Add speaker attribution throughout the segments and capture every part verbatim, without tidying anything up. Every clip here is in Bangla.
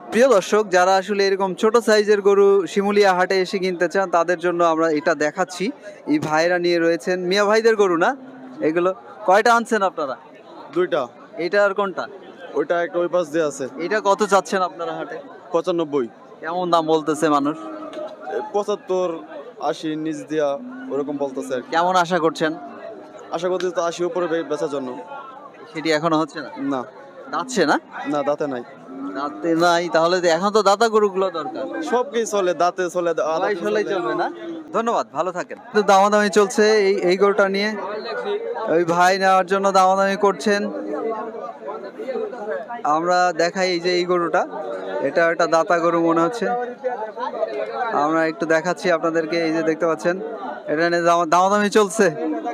Speaker 1: প্রিয় দর্শক, যারা আসলে এরকম ছোট সাইজের গরু শিমুলিয়া হাটে এসে কিনতে চান তাদের জন্য আমরা এটা দেখাচ্ছি। এই ভাইরা নিয়ে রয়েছেন, মিয়া ভাইদের গরু না এগুলো? কয়টা আনছেন আপনারা?
Speaker 2: দুইটা।
Speaker 1: এইটা আর কোনটা?
Speaker 2: ওইটা একটা ওই পাশ দিয়ে আছে।
Speaker 1: এটা কত চাচ্ছেন আপনারা হাটে?
Speaker 2: পঁচানব্বই।
Speaker 1: কেমন দাম বলতেছে মানুষ?
Speaker 2: পঁচাত্তর আশি নিচ দিয়া ওরকম বলতেছে আর কি।
Speaker 1: কেমন আশা করছেন?
Speaker 2: আশা করছি তো আশি উপরে বে- বেচার জন্য।
Speaker 1: সেটি এখনো হচ্ছে না?
Speaker 2: না
Speaker 1: যাচ্ছে না?
Speaker 2: না দাঁতে নাই।
Speaker 1: দাঁতে নাই, তাহলে তো এখন তো দাতা গরুগুলো দরকার।
Speaker 2: সব কি চলে, দাঁতে চলে, আদাতে
Speaker 1: সবাই চলেই
Speaker 2: চলে।
Speaker 1: চলবে না? ধন্যবাদ, ভালো থাকেন। তো দামাদামি চলছে এই এই গরুটা নিয়ে, ওই ভাই নেওয়ার জন্য দামাদামি করছেন। আমরা দেখাই এই যে এই গরুটা, এটা একটা দাতা গরু মনে হচ্ছে। আমরা একটু দেখাচ্ছি আপনাদেরকে, এই যে দেখতে পাচ্ছেন এটা নিয়ে দামা- দামাদামি চলছে,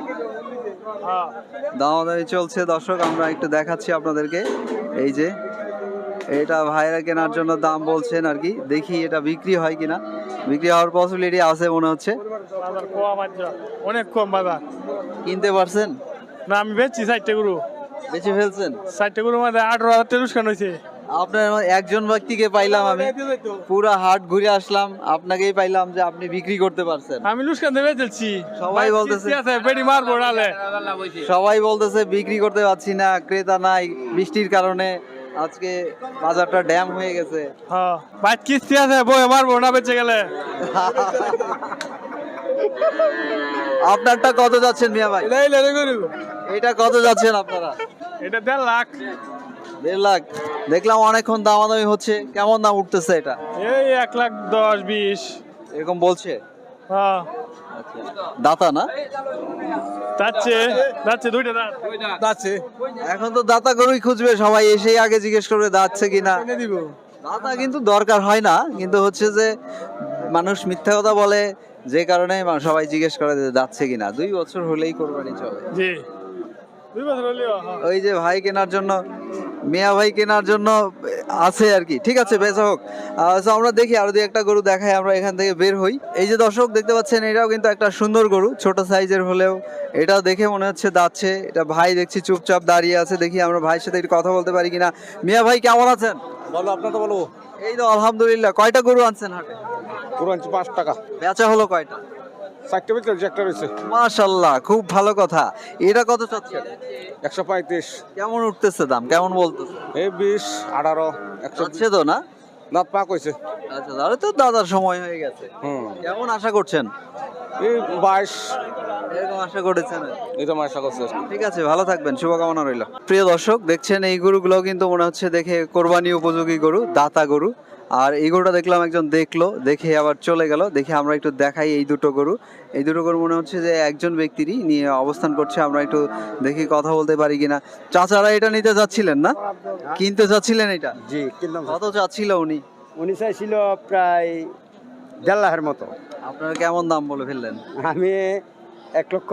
Speaker 1: দামাদামি চলছে দর্শক। আমরা একটু দেখাচ্ছি আপনাদেরকে, এই যে এটা ভাইরা কেনার জন্য দাম বলছেন আর কি। দেখি এটা বিক্রি হয় কিনা, বিক্রি হওয়ার পসিবিলিটি আছে মনে হচ্ছে।
Speaker 3: বাজার কম আছে, অনেক কম বাজার।
Speaker 1: কিনতে পারছেন?
Speaker 3: না আমি বেচছি ষাটটা গরু,
Speaker 1: বেঁচে ফেলছেন?
Speaker 3: ষাটটা গরু মধ্যে আঠারো হাজার টাকা লোকসান হয়েছে।
Speaker 1: আপনার একজন ব্যক্তিকে পাইলাম আমি, পুরা হাট ঘুরে আসলাম, আপনাকেই পাইলাম যে আপনি বিক্রি করতে পারছেন।
Speaker 3: আমি লোকসান দিয়ে বেচেছি।
Speaker 1: সবাই বলতেছে
Speaker 3: আছে পেটি মারবো নালে।
Speaker 1: সবাই বলতেছে বিক্রি করতে পারছি না, ক্রেতা নাই বৃষ্টির কারণে, আজকে বাজারটা ড্যাম হয়ে গেছে।
Speaker 3: হ্যাঁ বাইক কিস্তি আছে, বই মারবো না বেঁচে গেলে।
Speaker 1: আপনারটা কত যাচ্ছেন মিয়া ভাই? এটা কত যাচ্ছেন আপনারা?
Speaker 3: এটা দেড় লাখ।
Speaker 1: দেড় লাখ? দেখলাম অনেকক্ষণ দামাদামি হচ্ছে, কেমন দাম উঠতেছে এটা?
Speaker 3: এই এক লাখ দশ বিশ
Speaker 1: এরকম বলছে?
Speaker 3: হ্যাঁ
Speaker 1: দাতা না?
Speaker 3: যাচ্ছে যাচ্ছে দুইটা দাঁত যাচ্ছে।
Speaker 1: এখন তো দাতা গরুই খুঁজবে সবাই, এসেই আগে জিজ্ঞেস করবে দাচ্ছে কিনা।
Speaker 3: দিব
Speaker 1: দাতা কিন্তু দরকার হয় না, কিন্তু হচ্ছে যে মানুষ মিথ্যা কথা বলে, যে কারণে মা- সবাই জিজ্ঞেস করে যে যাচ্ছে কিনা। দুই বছর হলেই কোরবানি চলে।
Speaker 3: জি দুই বছর হলেও হ্যাঁ।
Speaker 1: ওই যে ভাই কেনার জন্য, মিয়া ভাই কেনার জন্য আছে আর কি। ঠিক আছে, বেচা হোক। আহ, so আমরা দেখি আরো দুই একটা গরু দেখাই, আমরা এখান থেকে বের হই। এই যে দর্শক দেখতে পাচ্ছেন, এটাও কিন্তু একটা সুন্দর গরু, ছোট সাইজের হলেও এটাও দেখে মনে হচ্ছে দাচ্ছে। এটা ভাই দেখছি চুপচাপ দাঁড়িয়ে আছে, দেখি আমরা ভাইয়ের সাথে একটু কথা বলতে পারি কিনা। মিয়া ভাই কেমন আছেন?
Speaker 2: বলো আপনার তো বলো।
Speaker 1: এই তো আলহামদুলিল্লাহ। কয়টা গরু আনছেন হাটে?
Speaker 2: পুরো আনছি পাঁচ টাকা।
Speaker 1: বেচা হলো কয়টা?
Speaker 2: চারটে বেচে একটা রয়েছে।
Speaker 1: মাশাল্লাহ, খুব ভালো কথা। এটা কত চাচ্ছেন?
Speaker 2: একশো পঁয়ত্রিশ।
Speaker 1: কেমন উঠতেছে দাম, কেমন বলতেছে?
Speaker 2: এই বিশ আঠারো একশো।
Speaker 1: যাচ্ছে তো না?
Speaker 2: দাঁত পাক হয়েছে।
Speaker 1: আচ্ছা, তাহলে তো দাদার সময় হয়ে গেছে।
Speaker 2: হুম
Speaker 1: কেমন আশা করছেন?
Speaker 2: এই বাইশ।
Speaker 1: এরকম আশা করেছেন?
Speaker 2: এই তো আমার আশা করছে।
Speaker 1: ঠিক আছে, ভালো থাকবেন, শুভকামনা রইল। প্রিয় দর্শক দেখছেন, এই গরুগুলো কিন্তু মনে হচ্ছে দেখে কোরবানি উপযোগী গরু, দাতা গরু। আর এই গরুটা দেখলাম একজন দেখলো, দেখে আবার চলে গেল। দেখে আমরা একটু দেখাই এই দুটো গরু। এই দুটো গরু মনে হচ্ছে যে একজন ব্যক্তিরই নিয়ে অবস্থান করছে। আমরা একটু দেখি কথা বলতে পারি কিনা। চাচারা এটা নিতে যাচ্ছিলেন না, কিনতে যাচ্ছিলেন এটা?
Speaker 4: জি কিনলাম।
Speaker 1: কত চাচ্ছিল উনি?
Speaker 4: উনি চাইছিল প্রায় দেড় লাখের মতো।
Speaker 1: আপনারা কেমন দাম বলে ফেললেন?
Speaker 4: আমি এক লক্ষ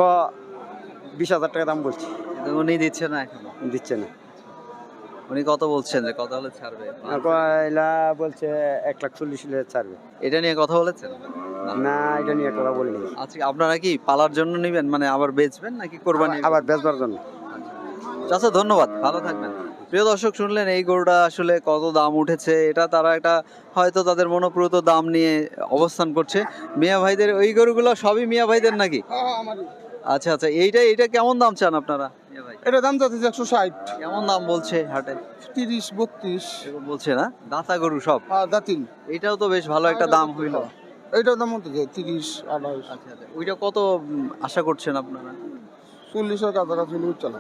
Speaker 4: বিশ হাজার টাকা দাম বলছি,
Speaker 1: কিন্তু উনি দিচ্ছে না এখনো।
Speaker 4: দিচ্ছে না।
Speaker 1: উনি কত বলছেন, যে কত হলে ছাড়বে?
Speaker 4: কয়লা বলছে এক লাখ চল্লিশ হলে ছাড়বে।
Speaker 1: এটা নিয়ে কথা বলেছেন?
Speaker 4: না এটা নিয়ে কথা বলিনি।
Speaker 1: আচ্ছা, আপনারা কি পালার জন্য নিবেন, মানে আবার বেচবেন নাকি কোরবানি?
Speaker 4: আবার বেচবার জন্য।
Speaker 1: আচ্ছা, ধন্যবাদ, ভালো থাকবেন। প্রিয় দর্শক শুনলেন এই গরুটা আসলে কত দাম উঠেছে। এটা তারা একটা হয়তো তাদের মনোপ্রত দাম নিয়ে অবস্থান করছে। মিয়া ভাইদের ওই গরুগুলো সবই মিয়া ভাইদের নাকি? আচ্ছা আচ্ছা, এইটা এইটা কেমন দাম চান আপনারা মিয়া ভাই?
Speaker 5: এটা দাম যাচ্ছে একশো ষাট,
Speaker 1: কেমন দাম বলছে হাটে?
Speaker 5: তিরিশ বত্রিশ
Speaker 1: এরকম বলছে না? দাতা গরু সব?
Speaker 5: আর দাতিল।
Speaker 1: এটাও তো বেশ ভালো একটা দাম হইলো।
Speaker 5: এইটার দাম হতে যায় তিরিশ আঠাশ।
Speaker 1: আচ্ছা আচ্ছা, ওইটা কত উম, আশা করছেন আপনারা?
Speaker 5: চল্লিশের কাছাকাছি চালাম।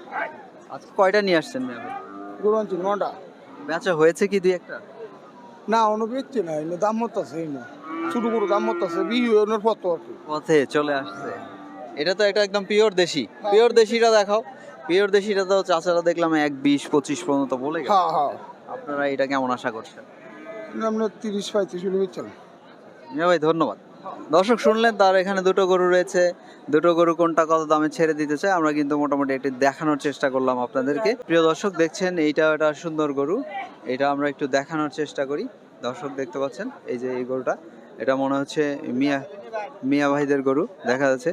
Speaker 1: আজকে কয়টা নিয়ে আসছেন মিয়া ভাই?
Speaker 5: গরু আনছি নটা।
Speaker 1: বেচা হয়েছে কি দুই একটা?
Speaker 5: না অন্য বেচছে না, এনে দাম হতাছে না, ছোট গরু দাম হতাছে বিহু এনের পর তো আর কি।
Speaker 1: পথে চলে আসছে। এটা তো একটা একদম পিওর দেশি। পিওর দেশিটা দেখাও। পিওর দেশিটা তো চাচারা দেখলাম এক বিশ পঁচিশ পর্যন্ত বলে গেছে।
Speaker 5: হ্যাঁ হ্যাঁ,
Speaker 1: আপনারা এটা কেমন আশা করছেন?
Speaker 5: আমরা তিরিশ পঁয়ত্রিশ হলে বেচছিলাম।
Speaker 1: মিয়া ভাই ধন্যবাদ। দর্শক শুনলেন, তার এখানে দুটো গরু রয়েছে। দুটো গরু কোনটা কত দামে ছেড়ে দিতে চায় আমরা কিন্তু মোটামুটি একটু দেখানোর চেষ্টা করলাম আপনাদেরকে। প্রিয় দর্শক দেখছেন, এইটা একটা সুন্দর গরু, এটা আমরা একটু দেখানোর চেষ্টা করি। দর্শক দেখতে পাচ্ছেন এই যে এই গরুটা, এটা মনে হচ্ছে মিয়া মিয়া ভাইদের গরু দেখা যাচ্ছে,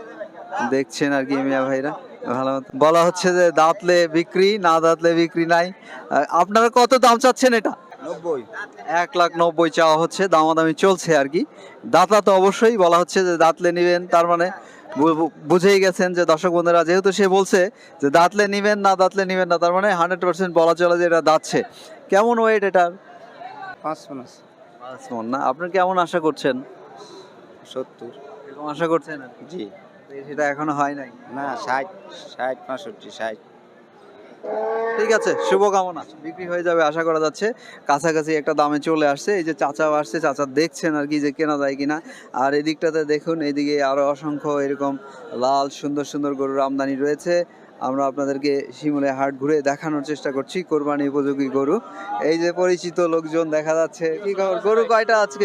Speaker 1: দেখছেন আর কি মিয়া ভাইরা। ভালো মতো বলা হচ্ছে যে দাঁতলে বিক্রি, না দাঁতলে বিক্রি নাই। আহ, আপনারা কত দাম চাচ্ছেন এটা?
Speaker 4: নব্বই।
Speaker 1: এক লাখ নব্বই চাওয়া হচ্ছে, দামাদামি চলছে আর কি। দাঁতলা তো অবশ্যই বলা হচ্ছে যে দাঁতলে নিবেন, তার মানে বু- বু- বুঝেই গেছেন যে দর্শক বন্ধুরা, যেহেতু সে বলছে যে দাঁতলে নিবেন না দাঁতলে নিবেন না, তার মানে হান্ড্রেড পার্সেন্ট বলা চলে যে এটা দাঁতছে। কেমন ওয়েট এটার?
Speaker 4: পাঁচ পাঁচ
Speaker 1: পাঁচ মণ না? আপনি কেমন আশা করছেন?
Speaker 4: সত্তর।
Speaker 1: এরকম আশা করছেন আর কি?
Speaker 4: জি।
Speaker 1: সেটা এখনো হয় নাই।
Speaker 4: না, ষাট ষাট পঁয়ষট্টি ষাট।
Speaker 1: ঠিক আছে, শুভকামনা, বিক্রি হয়ে যাবে আশা করা যাচ্ছে। কাছাকাছি একটা দামে চলে আসছে। এই যে চাচাও আসছে, চাচা দেখছেন আর কি যে কেনা যায় কিনা। আর এদিকটাতে দেখুন, এইদিকে আরো অসংখ্য এরকম লাল সুন্দর সুন্দর গরুর আমদানি রয়েছে। আমরা আপনাদেরকে শিমুলে হাট ঘুরে দেখানোর চেষ্টা করছি কোরবানি উপযোগী গরু। এই যে পরিচিত লোকজন দেখা যাচ্ছে। কি খবর, গরু কয়টা আজকে?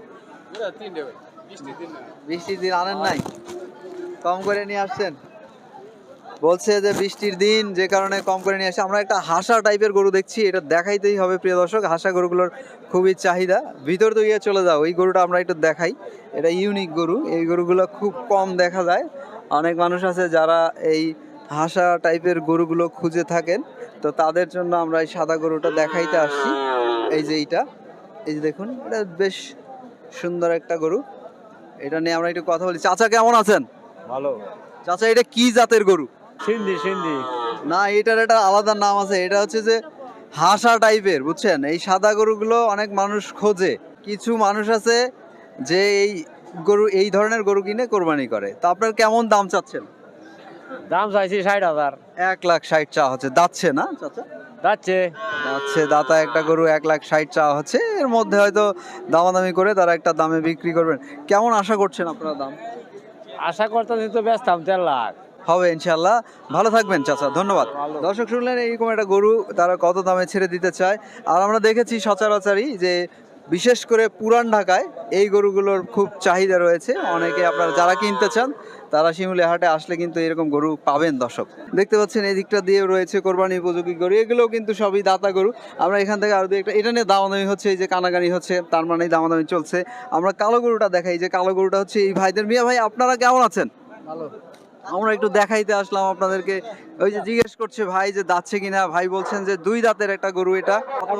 Speaker 1: বৃষ্টির দিন আনেন নাই, কম করে নিয়ে আসছেন? বলছে যে বৃষ্টির দিন, যে কারণে কম করে নিয়ে আসে। আমরা একটা হাসা টাইপের গরু দেখছি, এটা দেখাইতেই হবে প্রিয় দর্শক। হাসা গরুগুলোর খুবই চাহিদা। ভিতর তো গিয়ে চলে যাও, ওই গরুটা আমরা একটু দেখাই। এটা ইউনিক গরু, এই গরুগুলো খুব কম দেখা যায়। অনেক মানুষ আছে যারা এই হাসা টাইপের গরুগুলো খুঁজে থাকেন, তো তাদের জন্য আমরা এই সাদা গরুটা দেখাইতে আসছি। এই যে এইটা, এই যে দেখুন, এটা বেশ সুন্দর একটা গরু। এটা নিয়ে আমরা একটু কথা বলি। চাচা কেমন আছেন?
Speaker 4: ভালো।
Speaker 1: চাচা এটা কি জাতের গরু?
Speaker 3: সিন্ধি সিন্ধি
Speaker 1: না, এটার একটা আলাদা নাম আছে। এটা হচ্ছে যে হাসা টাইপের, বুঝছেন? এই সাদা গরুগুলো অনেক মানুষ খোঁজে। কিছু মানুষ আছে যে এই গরু, এই ধরনের গরু কিনে কোরবানি করে। তো আপনার কেমন দাম চাচ্ছেন?
Speaker 3: দাম চাইছি ষাট হাজার।
Speaker 1: এক লাখ ষাট চাওয়া হচ্ছে। দাচ্ছে না চাচা?
Speaker 3: যাচ্ছে
Speaker 1: দাচ্ছে, দাতা একটা গরু এক লাখ ষাট চাওয়া হচ্ছে। এর মধ্যে হয়তো দামাদামি করে তারা একটা দামে বিক্রি করবেন। কেমন আশা করছেন আপনারা দাম?
Speaker 3: আশা করতেছি তো ব্যস্তাম দেড় লাখ
Speaker 1: হবে ইনশাল্লাহ। ভালো থাকবেন চাচা, ধন্যবাদ। দর্শক শুনলেন এইরকম একটা গরু তারা কত দামে ছেড়ে দিতে চায়। আর আমরা দেখেছি সচরাচরই যে বিশেষ করে পুরান ঢাকায় এই গরুগুলোর খুব চাহিদা রয়েছে। অনেকে আপনারা যারা কিনতে চান তারা শিমুলে হাটে আসলে কিন্তু এরকম গরু পাবেন। দর্শক দেখতে পাচ্ছেন এই দিকটা দিয়ে রয়েছে কোরবানি উপযোগী গরু, এগুলোও কিন্তু সবই দাতা গরু। আমরা এখান থেকে আরো একটা, এটা নিয়ে দামাদামি হচ্ছে, এই যে কানাগানি হচ্ছে, তার মানে দামাদামি চলছে। আমরা কালো গরুটা দেখাই, যে কালো গরুটা হচ্ছে এই ভাইদের। মিয়া ভাই, আপনারা কেমন আছেন?
Speaker 5: ভালো।
Speaker 1: আমরা একটু দেখাইতে আসলাম আপনাদেরকে। ওই যে জিজ্ঞেস করছে ভাই যে দাচ্ছে কিনা, ভাই বলছেন যে দুই দাঁতের একটা গরু। এটা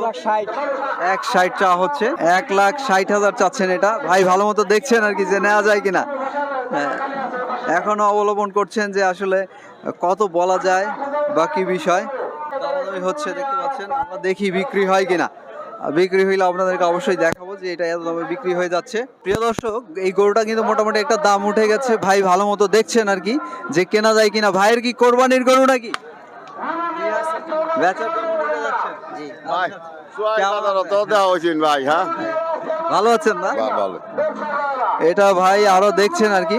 Speaker 1: এক ষাট চাওয়া হচ্ছে, এক লাখ ষাট হাজার চাচ্ছেন এটা। ভাই ভালো মতো দেখছেন আর কি যে নেওয়া যায় কিনা। হ্যাঁ, এখনো অবলম্বন করছেন যে আসলে কত বলা যায় বা কি বিষয়। দামাদামি হচ্ছে, দেখতে পাচ্ছেন। আমরা দেখি বিক্রি হয় কিনা। আর বিক্রি হইলে আপনাদেরকে অবশ্যই দেখাবো যে এটা এত দামে বিক্রি হয়ে যাচ্ছে। প্রিয় দর্শক, এই গরুটা কিন্তু মোটামুটি একটা দাম উঠে গেছে। ভাই ভালো মতো দেখছেন আর কি যে কেনা যায় কিনা। ভাইয়ের কি কোরবানির গরু নাকি? বেচার জন্য নিতে যাচ্ছেন? কেমন আছেন?
Speaker 2: ভাই, হ্যাঁ
Speaker 1: ভালো আছেন না?
Speaker 2: ভালো।
Speaker 1: এটা ভাই আরো দেখছেন আর কি।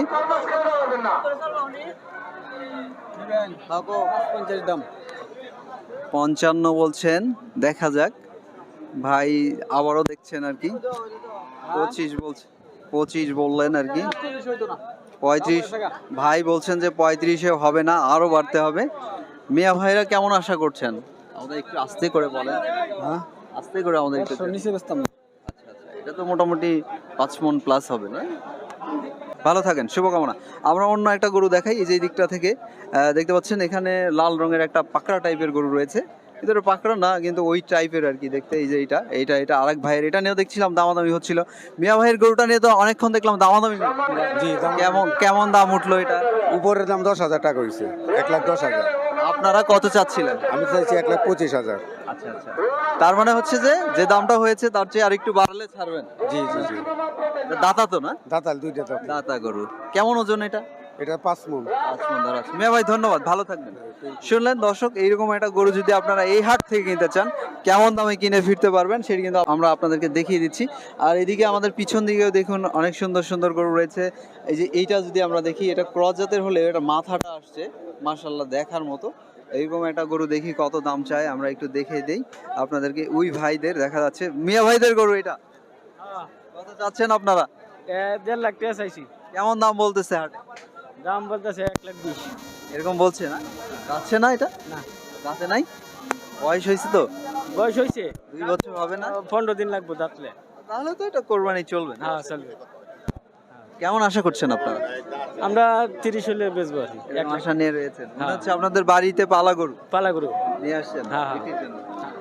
Speaker 1: পঞ্চান্ন বলছেন, দেখা যাক। ভাই আবারও দেখছেন আর কি। পঁচিশ বলছে, পঁচিশ বললেন আর কি। পঁয়ত্রিশ ভাই বলছেন যে পঁয়ত্রিশে হবে না, আরো বাড়তে হবে। মিয়া ভাইরা কেমন আশা করছেন? আমাদের একটু আস্তে করে বলেন। হ্যাঁ, আস্তে করে আমাদের একটু।
Speaker 5: নিচে বেচতাম না।
Speaker 1: আচ্ছা আচ্ছা, এটা তো মোটামুটি পাঁচ মণ প্লাস হবে না? ভালো থাকেন, শুভকামনা। আমরা অন্য একটা গরু দেখাই। এই যে এই দিকটা থেকে আহ, দেখতে পাচ্ছেন এখানে লাল রঙের একটা পাকড়া টাইপের গরু রয়েছে। ভিতরে পাকড়া না, কিন্তু ওই টাইপের আর কি দেখতে। এই যে এইটা এইটা এটা আরেক ভাইয়ের। এটা নিয়েও দেখছিলাম দামাদামি হচ্ছিল। মিয়া ভাইয়ের গরুটা নিয়ে তো অনেকক্ষণ দেখলাম দামাদামি।
Speaker 5: জি, দাম-
Speaker 1: কেমন কেমন দাম উঠলো এটা?
Speaker 5: উপরের দাম দশ হাজার টাকা হয়েছে, এক লাখ দশ হাজার।
Speaker 1: আপনারা কত চাচ্ছিলেন?
Speaker 5: আমি চাইছি এক লাখ পঁচিশ হাজার।
Speaker 1: আচ্ছা আচ্ছা, তার মানে হচ্ছে যে যে দামটা হয়েছে তার চেয়ে আরেকটু বাড়ালে ছাড়বেন।
Speaker 5: জি জি জি।
Speaker 1: এটা দাতা তো না?
Speaker 5: দাতাল দুইটা দাঁত।
Speaker 1: দাতা গরু। কেমন ওজন এটা?
Speaker 5: এটা পাঁচ মন।
Speaker 1: মিয়া ভাই ধন্যবাদ, ভালো থাকবেন। শুনলেন দর্শক, এইরকম একটা গরু যদি আপনারা এই হাট থেকে কিনতে চান, কেমন দামে কিনে ফিরতে পারবেন সেটা কিন্তু আমরা আপনাদেরকে দেখিয়ে দিচ্ছি। আর এদিকে আমাদের পিছন দিকেও দেখুন অনেক সুন্দর সুন্দর গরু রয়েছে। এই যে এইটা যদি আমরা দেখি, এটা ক্রস জাতের হলে এটা মাথাটা আসছে মাশাআল্লাহ দেখার মতো। এইরকম একটা গরু দেখি কত দাম চায়, আমরা একটু দেখে দেই আপনাদেরকে। ওই ভাইদের দেখা যাচ্ছে, মিয়া ভাইদের গরু এটা। কত চাচ্ছেন আপনারা?
Speaker 3: দেড় লাখ টাকা চাইছি।
Speaker 1: কেমন দাম বলতেছে হাটে?
Speaker 3: দাম বলতেছে এক লাখ বিশ।
Speaker 1: এরকম বলছে না? যাচ্ছে না এটা?
Speaker 3: না,
Speaker 1: যাচ্ছে নাই। বয়স হয়েছে তো,
Speaker 3: বয়স হয়েছে
Speaker 1: দুই বছর হবে না?
Speaker 3: পনেরো দিন লাগবে দাঁতলে।
Speaker 1: তাহলে তো এটা কোরবানি চলবে না?
Speaker 3: হ্যাঁ চলবে।
Speaker 1: কেমন আশা করছেন আপনারা?
Speaker 3: আমরা তিরিশ হলে বেচবো আর কি। এক লাখ
Speaker 1: আশা নিয়ে রয়েছেন, মনে
Speaker 3: হ্যাঁ।
Speaker 1: হচ্ছে আপনাদের বাড়িতে পালা গরু
Speaker 3: পালা গরু।
Speaker 1: নিয়ে আসছেন
Speaker 3: হ্যাঁ, হ্যাঁ।
Speaker 1: বিক্রির জন্য।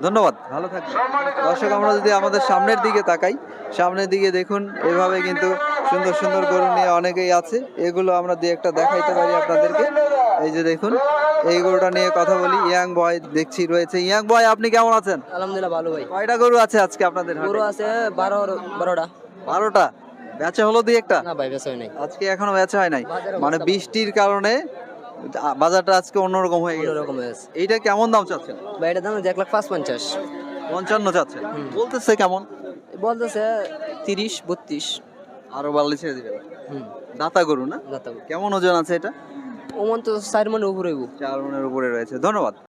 Speaker 1: ধন্যবাদ, ভালো থাকবেন। দর্শক আমরা যদি আমাদের সামনের দিকে তাকাই, সামনের দিকে দেখুন এভাবে কিন্তু সুন্দর সুন্দর গরু নিয়ে অনেকেই আছে। এগুলো আমরা দিয়ে একটা দেখাইতে পারি আপনাদেরকে। এই যে দেখুন, এই গরুটা নিয়ে কথা বলি। ইয়াং বয় দেখছি রয়েছে। ইয়াং বয়, আপনি কেমন আছেন?
Speaker 6: আলহামদুলিল্লাহ ভালো ভাই।
Speaker 1: কয়টা গরু আছে আজকে আপনাদের হাটে?
Speaker 6: গরু আছে বারো বারোটা।
Speaker 1: বারোটা। বেচা হলো দুই একটা?
Speaker 6: না ভাই বেচা হয় নাই।
Speaker 1: আজকে এখনো বেচা হয় নাই,
Speaker 6: বাজারে
Speaker 1: মানে
Speaker 6: অবস্থা
Speaker 1: বৃষ্টির কারণে আ- বাজারটা আজকে অন্যরকম হয়ে গেছে।
Speaker 6: অন্যরকম হয়েছে
Speaker 1: এইটা কেমন দাম চাচ্ছেন?
Speaker 6: ভাই, এটার দাম এক লাখ পাঁচ পঞ্চাশ।
Speaker 1: পঞ্চান্ন চাচ্ছেন, বলতেছে কেমন?
Speaker 6: বলতেছে তিরিশ বত্রিশ।
Speaker 1: আরো বাড়লে ছেড়ে দিবেন।
Speaker 6: হুম
Speaker 1: দাতা গরু না?
Speaker 6: দাতা
Speaker 1: কেমন ওজন আছে এটা?
Speaker 6: ওমন তো চার মনে উপরে হইব।
Speaker 1: চার মনের উপরে রয়েছে। ধন্যবাদ।